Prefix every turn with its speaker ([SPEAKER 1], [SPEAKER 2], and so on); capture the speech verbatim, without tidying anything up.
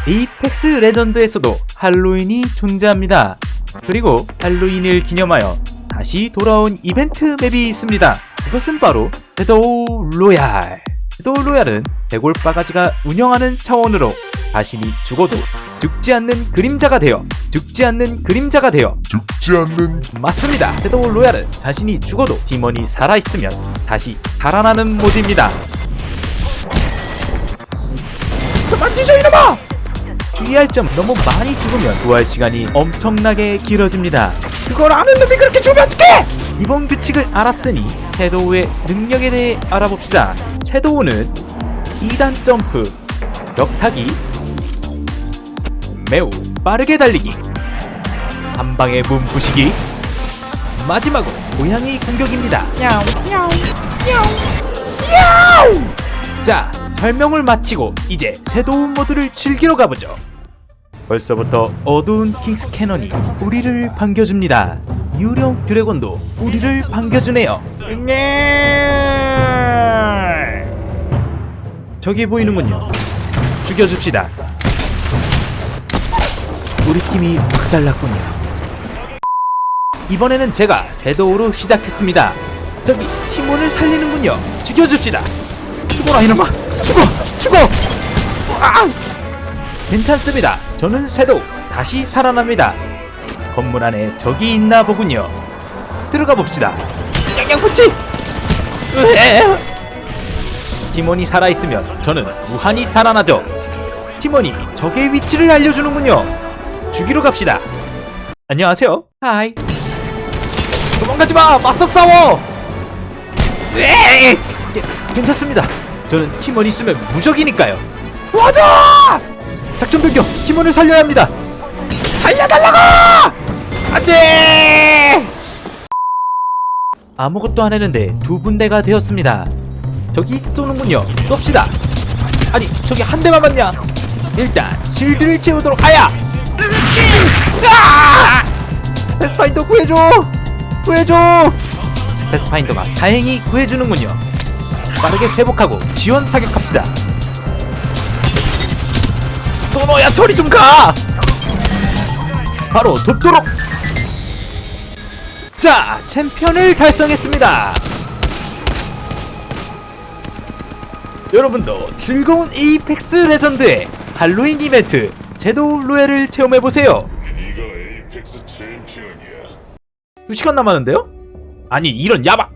[SPEAKER 1] 에이펙스 레전드에서도 할로윈이 존재합니다. 그리고 할로윈을 기념하여 다시 돌아온 이벤트 맵이 있습니다. 그것은 바로 섀도우 로얄. 섀도우 로얄은 대골바가지가 운영하는 차원으로 자신이 죽어도 죽지 않는 그림자가 되어 죽지 않는 그림자가 되어
[SPEAKER 2] 죽지 않는
[SPEAKER 1] 맞습니다. 섀도우 로얄은 자신이 죽어도 팀원이 살아있으면 다시 살아나는 모드입니다. 그만 뒤져 이놈아! 주의할 점, 너무 많이 죽으면 부활 시간이 엄청나게 길어집니다. 그걸 아는 놈이 그렇게 죽으면 어떡해! 이번 규칙을 알았으니 섀도우의 능력에 대해 알아봅시다. 섀도우는 이 단 점프, 벽타기, 매우 빠르게 달리기, 한방에 문 부시기, 마지막으로 고양이 공격입니다. 야옹 야옹 야옹 야옹. 자, 설명을 마치고 이제 섀도우 모드를 즐기러 가보죠. 벌써부터 어두운 킹스 캐논이 우리를 반겨줍니다. 유령 드래곤도 우리를 반겨주네요. 저기 보이는군요. 죽여줍시다. 우리 팀이 박살났군요. 이번에는 제가 섀도우로 시작했습니다. 저기 팀원을 살리는군요. 죽여줍시다. 죽어라 이놈아. 죽어! 죽어! 아! 괜찮습니다. 저는 섀도우 다시 살아납니다. 건물 안에 적이 있나 보군요. 들어가 봅시다. 양양푸치! 팀원이 살아있으면 저는 무한히 살아나죠. 팀원이 적의 위치를 알려주는군요. 죽이러 갑시다. 안녕하세요. 하이. 도망가지마! 맞서 싸워! 에이! 괜찮습니다. 저는 팀원 있으면 무적이니까요. 도와줘! 작전 변경! 팀원을 살려야 합니다. 살려달라고! 안돼! 아무것도 안 했는데 두 분대가 되었습니다. 저기 쏘는군요. 쏩시다. 아니 저기 한 대만 맞냐? 일단 실드를 채우도록. 아야! 아! 패스파인더 구해줘! 구해줘! 패스파인더가 다행히 구해주는군요. 빠르게 회복하고 지원 사격합시다. 도노야 저리 좀 가! 바로 돕도록! 자, 챔피언을 달성했습니다. 여러분도 즐거운 에이펙스 레전드의 할로윈 이벤트 섀도우 로얄을 체험해보세요.
[SPEAKER 2] 네가 에이펙스 챔피언이야.
[SPEAKER 1] 두 시간 남았는데요? 아니 이런 야박!